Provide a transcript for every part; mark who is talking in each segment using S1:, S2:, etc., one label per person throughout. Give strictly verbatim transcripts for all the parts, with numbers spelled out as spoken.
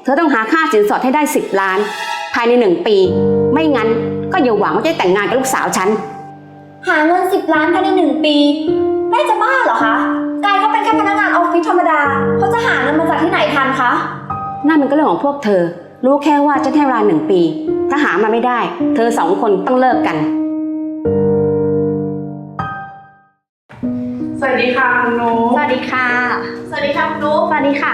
S1: เธอต้องหาค่าสินสอดให้ได้สิบล้านภายในหนึ่งปีไม่งั้นก็อย่าหวังว่าจะแต่งงานกับลูกสาวฉัน
S2: หาเงินสิบล้านภายในหนึ่งปีแม่จะบ้าเหรอคะกายเขาเป็นแค่พนักงานออฟฟิศธรรมดาเขาจะหาเงินมาจากที่ไหนทันคะ
S1: นั่นมันก็เรื่องของพวกเธอรู้แค่ว่าจะให้เวลาหนึ่งปีถ้าหามาไม่ได้เธอสองคนต้องเลิกกัน
S3: สวัสดีค่ะคุณนุ๊ก
S2: สวัสดีค่ะสวัสดีค่ะคุณนุ๊กสวัสดีค่ะ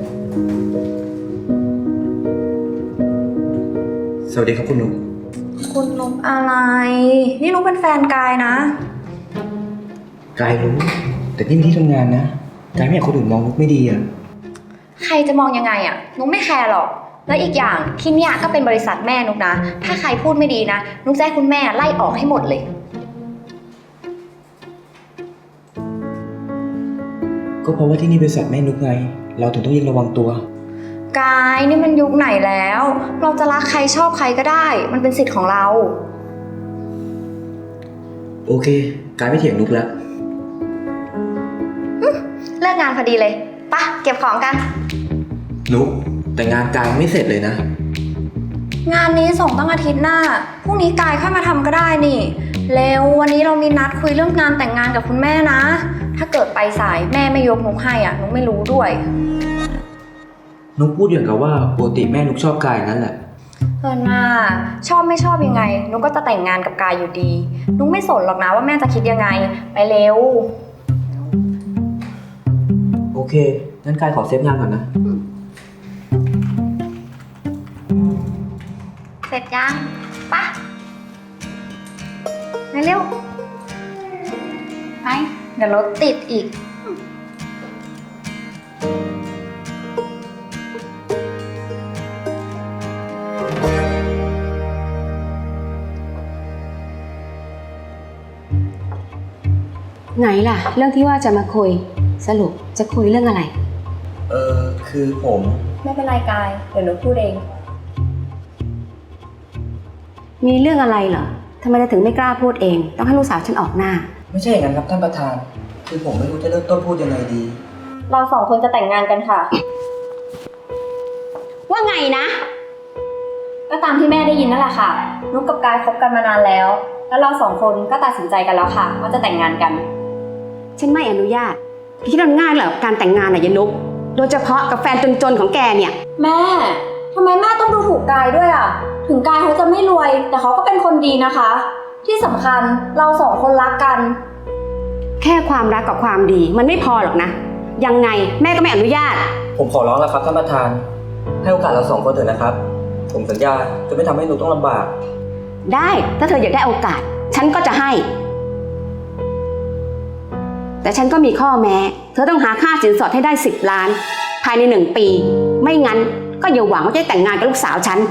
S4: สวัสดีครับคุณนุ๊ก
S2: คุณนุ๊กอะไรนี่นุ๊กเป็นแฟนกายนะ
S4: กายรู้แต่นี่เป็นที่ทำงานนะกายไม่อยากคนอื่นมองนุ๊กไม่ดีอ่ะ
S2: ใครจะมองยังไงอ่ะนุ๊กไม่แคร์หรอกแล้วอีกอย่างที่เนี่ยก็เป็นบริษัทแม่นุ๊กนะถ้าใครพูดไม่ดีนะนุ๊กจะให้คุณแม่ไล่ออกให้หมดเลย
S4: ก็เพราะว่าที่นี่บริษัทแม่นุ๊กไงเราถึงต้องยิ่งระวังตัว
S2: กายนี่มันยุคไหนแล้วเราจะรักใครชอบใครก็ได้มันเป็นสิทธิ์ของเรา
S4: โอเคกายไม่เถียงนุ๊กแล้ว
S2: เลิกงานพอดีเลยปะเก็บของกัน
S4: นุ๊กแต่งานกายไม่เสร็จเลยนะ
S2: งานนี้ส่งตั้งอาทิตย์หน้าพรุ่งนี้กายค่อยมาทำก็ได้นี่เร็ววันนี้เรามีนัดคุยเรื่องงานแต่งงานกับคุณแม่นะถ้าเกิดไปสายแม่ไม่ยกนุ๊กให้อ่ะนุ๊กไม่รู้ด้วย
S4: นุ๊กพูดอย่างกับว่าปกติแม่นุ๊กชอบกายนั่นแหละ
S2: เออน่าชอบไม่ชอบยังไงนุ๊กก็จะแต่งงานกับกายอยู่ดีนุ๊กไม่สนหรอกนะว่าแม่จะคิดยังไงไปเร็ว
S4: โอเคงั้นกายขอเซฟงานก่อนนะ
S2: เสร็จยังปะไปเร็วไปเดี๋ยวรถติดอีก
S1: ไหนล่ะเรื่องที่ว่าจะมาคุยสรุปจะคุยเรื่องอะไร
S4: เออคือผม
S2: ไม่เป็นไรกายเดี๋ยวหนูพูดเอง
S1: มีเรื่องอะไรเหรอทำไมถึงไม่กล้าพูดเองต้องให้ลูกสาวฉันออกหน้า
S4: ไม่ใช่อย่างนั้นครับท่านประธานคือผมไม่รู้จะเริ่มต้นพูดยังไงดี
S2: เราสองคนจะแต่งงานกันค่ะ
S1: ว่าไงนะ
S2: ก็ตามที่แม่ได้ยินนั่นแหละค่ะนุ๊กกับกายคบกันมานานแล้วแล้วเราสองคนก็ตัดสินใจกันแล้วค่ะว่าจะแต่งงานกัน
S1: ฉันไม่อนุญาตคิดว่าง่ายเหรอการแต่งงานน่ะยายนุ๊กโดยเฉพาะกับแฟนจนๆของแกเนี่ย
S2: แม่ทำไมแม่ต้องดูถูกกายด้วยอ่ะถึงกายเขาจะไม่รวยแต่เขาก็เป็นคนดีนะคะที่สำคัญเราสองคนรักกัน
S1: แค่ความรักกับความดีมันไม่พอหรอกนะยังไงแม่ก็ไม่อนุญาต
S4: ผมขอร้องแล้วครับท่านประธานให้โอกาสเราสองคนเถอะนะครับผมสัญญาจะไม่ทำให้นุ๊กต้องลำบาก
S1: ได้ถ้าเธออยากได้โอกาสฉันก็จะให้แต่ฉันก็มีข้อแม้เธอต้องหาค่าสินสอดให้ได้สิบล้านภายในหนึ่งปีไม่งั้นก็อย่าหวังว่าจะแต่งงานกับลูกสาวฉัน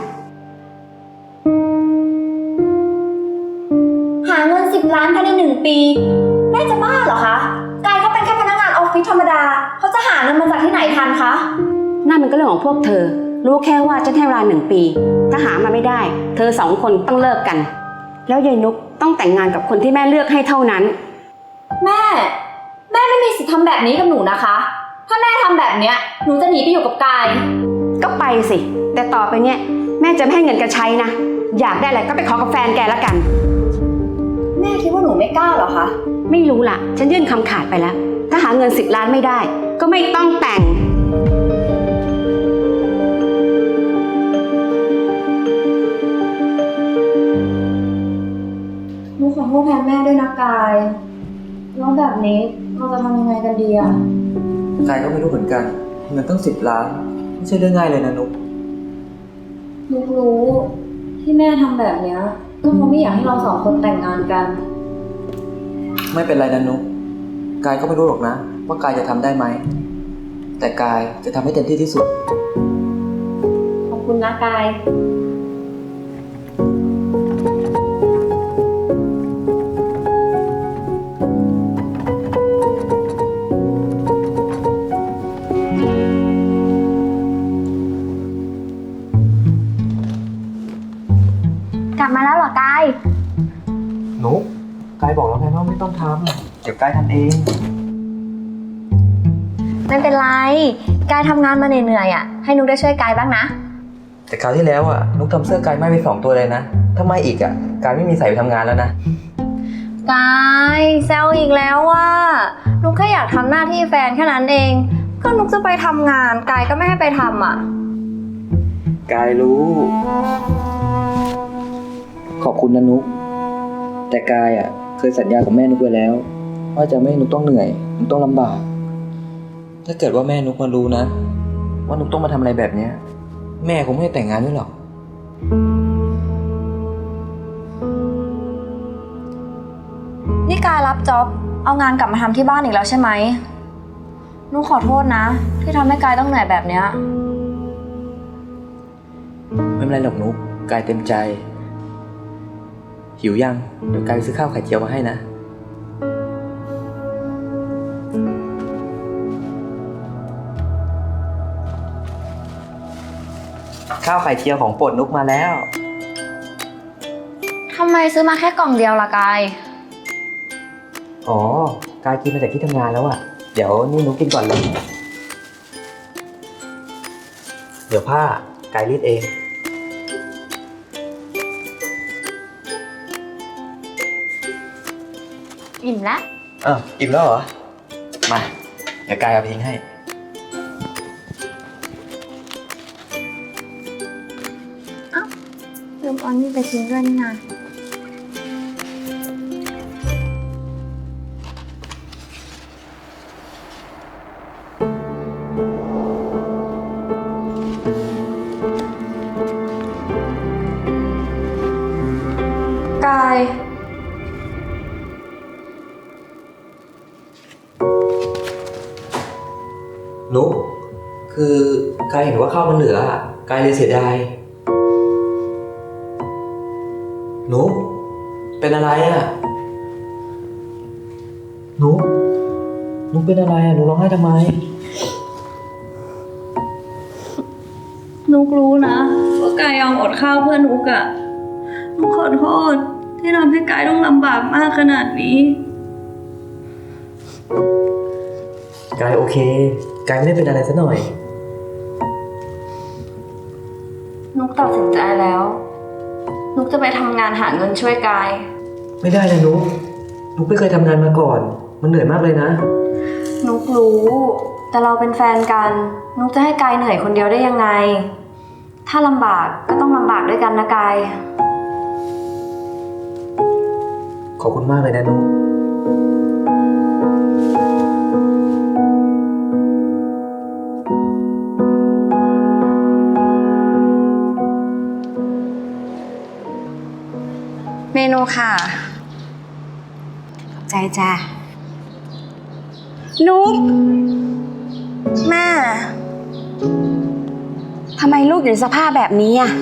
S2: หาเงินสิบล้านภายในหนึ่งปีแม่จะบ้าเหรอคะกายเขาเป็นแค่พนักงานออฟฟิศธรรมดาเขาจะหาเงินมาจากที่ไหนทันคะ
S1: นั่นมันก็เรื่องของพวกเธอรู้แค่ว่าจะให้เวลาหนึ่งปีถ้าหามาไม่ได้เธอสองคนต้องเลิกกันแล้วยายนุ๊กต้องแต่งงานกับคนที่แม่เลือกให้เท่านั้น
S2: แม่แม่ไม่มีสิทธิ์ทำแบบนี้กับหนูนะคะถ้าแม่ทำแบบเนี้ยหนูจะหนีไปอยู่กับกาย
S1: ก็ไปสิแต่ต่อไปเนี้ยแม่จะไม่ให้เงินแกใช้นะอยากได้อะไรก็ไปขอกับแฟนแกแล้วกัน
S2: แม่คิดว่าหนูไม่กล้าเหรอคะ
S1: ไม่รู้ล่ะฉันยื่นคำขาดไปแล้วถ้าหาเงินสิบล้านไม่ได้ก็ไม่ต้องแต่ง
S2: หนูขอโทษแทนแม่ด้วยนะกายแล้วแบบนี้เราจะทำยังไงกันดีอะ
S4: กายก็ไม่รู้เหมือนกันเงินตั้งสิบล้านไม่ใช่เรื่องง่ายเลยนะนุ๊ก
S2: นุ๊กรู้ที่แม่ทำแบบเนี้ยก็เพราะไม่อยากให้เราสองคนแต่งงานกัน
S4: ไม่เป็นไรนะนุ๊กกายก็ไม่รู้หรอกนะว่ากายจะทำได้ไหมแต่กายจะทำให้เต็มที่ที่สุด
S2: ขอบคุณนะกายกลับมาแล้วเหรอกาย
S4: นุ๊กกายบอกแล้วไงว่าไม่ต้องทำเดี๋ยวกายทำเอง
S2: ไม่เป็นไรกายทำงานมาเหนื่อยๆอ่ะให้นุกได้ช่วยกายบ้างนะ
S4: แต่คราวที่แล้วอ่ะนุกทำเสื้อกายไหม้ไปสองตัวเลยนะถ้าไหม้อีกอ่ะกายไม่มีใส่ไปทำงานแล้วนะ
S2: กายแซวอีกแล้วว่านุกแค่อยากทำหน้าที่แฟนแค่นั้นเองก็นุกจะไปทำงานกายก็ไม่ให้ไปทำอ่ะ
S4: กายรู้ ขอบคุณนะนุกแต่กายอ่ะเคยสัญญากับแม่นุกไว้แล้วว่าจะไม่ให้นุกต้องเหนื่อยนุกต้องลำบากถ้าเกิดว่าแม่นุกมารู้นะว่านุกต้องมาทำอะไรแบบเนี้ยแม่คงไม่ให้แต่งงานด้วยหรอก
S2: นี่กายรับจ็อบเอางานกลับมาทำที่บ้านอีกแล้วใช่ไหมนุกขอโทษนะที่ทำให้กายต้องเหนื่อยแบบเนี้ย
S4: ไม่เป็นไรหรอกนุกกายเต็มใจหิวยังเดี๋ยวกายไปซื้อข้าวไข่เจียวมาให้นะข้าวไข่เจียวของโปรดนุกมาแล้ว
S2: ทำไมซื้อมาแค่กล่องเดียวล่ะกาย
S4: อ๋อกายกินมาจากที่ทำงานแล้วอ่ะเดี๋ยวนี่นุกกินก่อนเลยเดี๋ยวผ้ากายรีดเอง
S2: อิ่มละ
S4: อ้าวอิ่มแล้วเหรอมาเดี๋ยวกายเอาไปทิ้งให้
S2: ลืมเอานี่ไปทิ้งด้วยนี่นะกาย
S4: นุกคือกายเห็นว่าข้าวมันเหลืออ่ะกายเลยเสียดายนุกเป็นอะไรอ่ะนุกนุกเป็นอะไรอ่ะนุกร้องไห้ทำไม
S2: นุกรู้นะว่ากายยอมอดข้าวเพื่อนุกอะนุกขอโทษที่ทำให้กายต้องลำบากมากขนาดนี้
S4: กายโอเคกายไม่ได้เป็นอะไรซะหน่อย
S2: นุกตัดสินใจแล้ว นุกจะไปทำงานหาเงินช่วยกาย
S4: ไม่ได้นะนุกนุกไม่เคยทำงานมาก่อนมันเหนื่อยมากเลยนะ
S2: นุกรู้ แต่เราเป็นแฟนกัน นุกจะให้กายเหนื่อยคนเดียวได้ยังไง ถ้าลำบากก็ต้องลำบากด้วยกันนะกาย
S4: ขอบคุณมากเลยนะนุก
S2: เมนูค่ะ
S1: ขอบใจจ้านุก
S2: แม่
S1: ทำไมลูกอยู่ในสภาพแบบนี้อ่ะ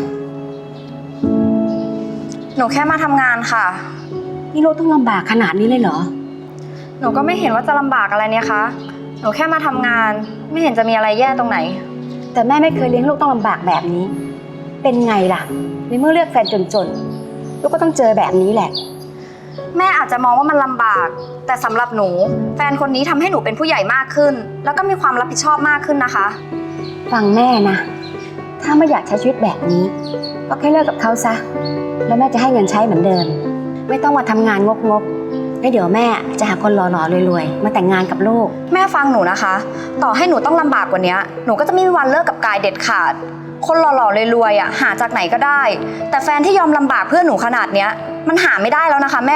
S2: หนูแค่มาทำงานค่ะ
S1: นี่ลูกต้องลำบากขนาดนี้เลยเหรอ
S2: หนูก็ไม่เห็นว่าจะลำบากอะไรเนี่ยคะ หนูแค่มาทำงาน ไม่เห็นจะมีอะไรแย่ตรงไหน
S1: แต่แม่ไม่เคยเลี้ยงลูกต้องลำบากแบบนี้ เป็นไงล่ะในเมื่อเลือกแฟนจนๆลูกก็ต้องเจอแบบนี้แหละ
S2: แม่อาจจะมองว่ามันลำบาก แต่สำหรับหนู แฟนคนนี้ทำให้หนูเป็นผู้ใหญ่มากขึ้น แล้วก็มีความรับผิดชอบมากขึ้นนะคะ
S1: ฟังแม่นะ ถ้าไม่อยากใช้ชีวิตแบบนี้ ก็แค่เลิกกับเขาซะ แล้วแม่จะให้เงินใช้เหมือนเดิม ไม่ต้องมาทำงานงกๆแล้วเดี๋ยวแม่จะหาคนหล่อๆรวยๆมาแต่งงานกับลูก
S2: แม่ฟังหนูนะคะ ต่อให้หนูต้องลำบากกว่านี้หนูก็จะไม่มีวันเลิกกับกายเด็ดขาด คนหล่อๆรวยๆอ่ะหาจากไหนก็ได้ แต่แฟนที่ยอมลำบากเพื่อหนูขนาดเนี้ยมันหาไม่ได้แล้วนะคะแม่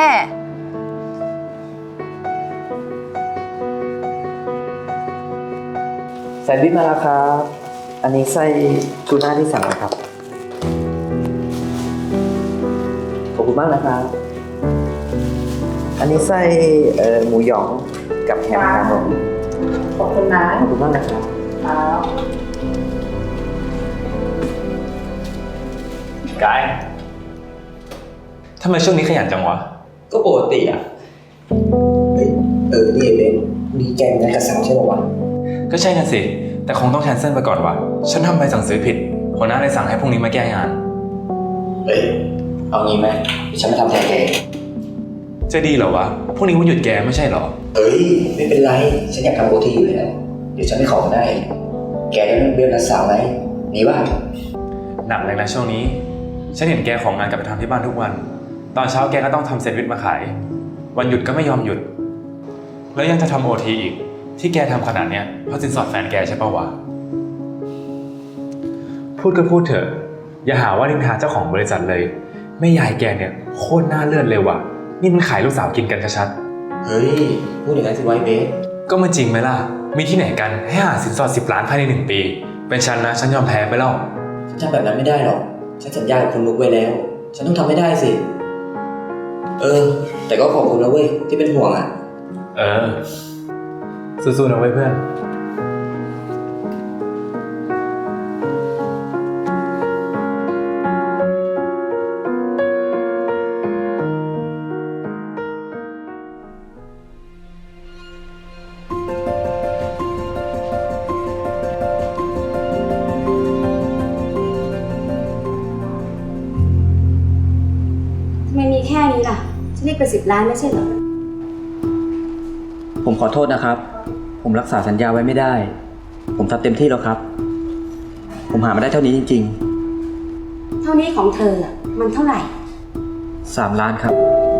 S4: แซนด์วิชมาแล้วครับอันนี้ไส้ทูน่าที่สั่งนะครับขอบคุณมากนะครับ อันนี้ไส้เอ่อหมูหยองกับแฮมครับผม
S1: ขอบคุณนะ
S4: ขอบคุณมากนะครับ
S3: กายทำไมช่วงนี้ขยันจังวะ
S4: ก็ปกติอ่ะเฮ้ยเออนี่เบนมีแกงนัดกับสาวใช่ป่าววะ
S3: ก็ใช่น่ะสิ แต่คงต้องแคนเซิลไปก่อนวะฉันทำใบสั่งซื้อผิดหัวหน้าเลยสั่งให้พรุ่งนี้มาแก้งาน
S4: เฮ้ยเอางี้ไหมฉันมาทำแทนแก
S3: จะดีเหรอวะพรุ่งนี้วันหยุดแกไม่ใช่เหรอ
S4: เอ้ยไม่เป็นไรฉันอยากทำโอทีอยู่แล้วเดี๋ยวฉันไม่ขอก็ได้แกได้เดือนละสาวไหมนี่ว่า
S3: หนักเลยนะช่วงนี้ ฉันเห็นแกของงานกลับไปทำที่บ้านทุกวัน ตอนเช้าแกก็ต้องทำแซนด์วิชมาขาย วันหยุดก็ไม่ยอมหยุด แล้วยังจะทำโอทีอีก ที่แกทำขนาดเนี้ยเพราะสินสอดแฟนแกใช่ปะวะ พูดก็พูดเถอะ อย่าหาว่านินทาเจ้าของบริษัทเลยแม่ยายแกเนี่ยโคตรน่าเลือดเลยว่ะ นี่มันขายลูกสาวกินกันชัด
S4: เฮ้ย พูดอย่างนั้นสิไว้เบส
S3: ๆก็มันจริงไหมล่ะ มีที่ไหนกันให้หาสินสอดสิบล้านภายในหนึ่งปี เป็นฉันนะฉันยอมแพ้ไปแล้ว
S4: ฉันทำแบบนั้นไม่ได้หรอก ฉันสัญญากับคุณนุกไว้แล้ว ฉันต้องทำให้ได้สิ เออ แต่ก็ขอบคุณนะเว้ยที่เป็นห่วงอ่ะ
S3: เออ สู้ๆนะเว้ยเพื่อน
S1: ทำไมมีแค่นี้ล่ะ ฉันเรียกไปสิบล้านไม่ใช่เหรอ
S4: ผมขอโทษนะครับ ผมรักษาสัญญาไว้ไม่ได้ ผมทำเต็มที่แล้วครับ ผมหามาได้เท่านี้จริง
S1: เท่านี้ของเธออะมันเท่าไหร่
S4: ๆ สามล้านครับ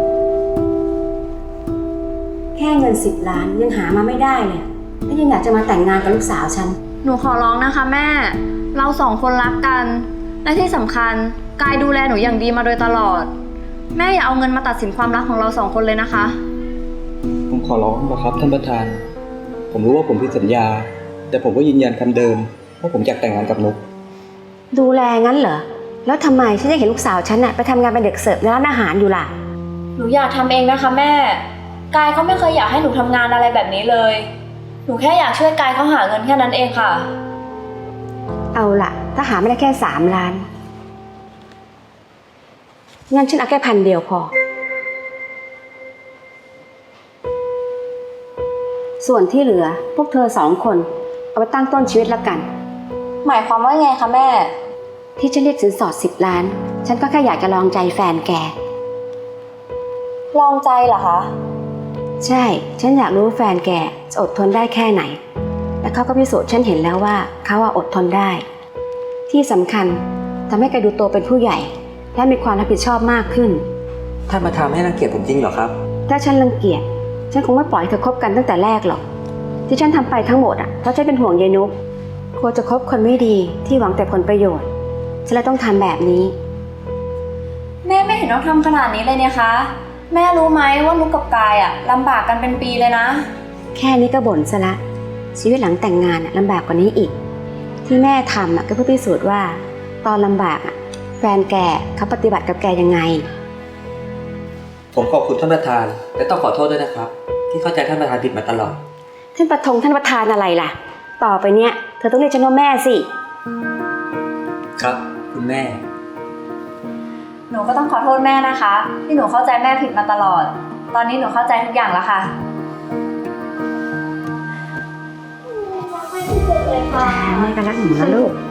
S1: แค่เงินสิบล้านยังหามาไม่ได้เลยแล้วยังอยากจะมาแต่งงานกับลูกสาวฉัน
S2: หนูขอร้องนะคะแม่ เราสองคนรักกัน และที่สำคัญกายดูแลหนูอย่างดีมาโดยตลอด แม่อย่าเอาเงินมาตัดสินความรักของเราสองคนเลยนะคะ
S5: ผมขอร้องนะครับท่านประธาน ผมรู้ว่าผมผิดสัญญา แต่ผมก็ยืนยันคำเดิมว่าผมอยากแต่งงานกับนุก
S1: ดูแลงั้นเหรอ แล้วทำไมฉันยังเห็นลูกสาวฉันน่ะไปทำงานเป็นเด็กเสิร์ฟในร้านอาหารอยู่ล่ะ
S2: หนูอยากทำเองนะคะแม่ กายเขาไม่เคยอยากให้หนูทำงานอะไรแบบนี้เลย หนูแค่อยากช่วยกายเขาหาเงินแค่นั้นเองค่ะ
S1: เอาล่ะ ถ้าหาไม่ได้แค่สามล้านงั้นฉันเอาแค่พันเดียวพอ ส่วนที่เหลือพวกเธอสองคนเอาไปตั้งต้นชีวิตละกัน
S2: หมายความว่าไงคะแม่
S1: ที่ฉันเรียกสินสอดสิบล้าน ฉันก็แค่อยากจะลองใจแฟนแก
S2: ลองใจเหรอคะ
S1: ใช่ ฉันอยากรู้ว่าแฟนแกจะอดทนได้แค่ไหน และเขาก็พิสูจน์ฉันเห็นแล้วว่าเขาอะอดทนได้ ที่สำคัญทำให้แกดูโตเป็นผู้ใหญ่ และมีความรับผิดชอบมากขึ้น
S4: ท่านมาทำให้รังเกียจผมจริงเหรอครับ
S1: ถ้าฉันรังเกียจ ฉันคงไม่ปล่อยให้เธอคบกันตั้งแต่แรกหรอก ที่ฉันทำไปทั้งหมดอ่ะ เพราะฉันเป็นห่วงยายนุกกลัวจะคบคนไม่ดีที่หวังแต่ผลประโยชน์ ฉันเลยต้องทำแบบนี้
S2: แม่ไม่เห็นต้องทำขนาดนี้เลยเนี่ยคะ แม่รู้ไหมว่านุกกับกายอะลำบากกันเป็นปีเลยนะ
S1: แค่นี้ก็บ่นซะละ ชีวิตหลังแต่งงานอะลำบากกว่านี้อีก ที่แม่ทำอะก็เพื่อพิสูจน์ว่า ตอนลำบากอะแฟนแกเขาปฏิบัติกับแกยังไง
S4: ผมขอบคุณท่านประธาน และต้องขอโทษด้วยนะครับ ที่เข้าใจท่านประธานผิดมาตลอด
S1: ท่านประทงท่านประธานอะไรล่ะ ต่อไปเนี้ยเธอต้องเรียกฉันว่าแม่สิ
S4: ครับ คุณแม่
S2: หนูก็ต้องขอโทษแม่นะคะ ที่หนูเข้าใจแม่ผิดมาตลอด ตอนนี้หนูเข้าใจทุกอย่างแล้วค่ะ
S1: แม่ก็รักหนูนะลูก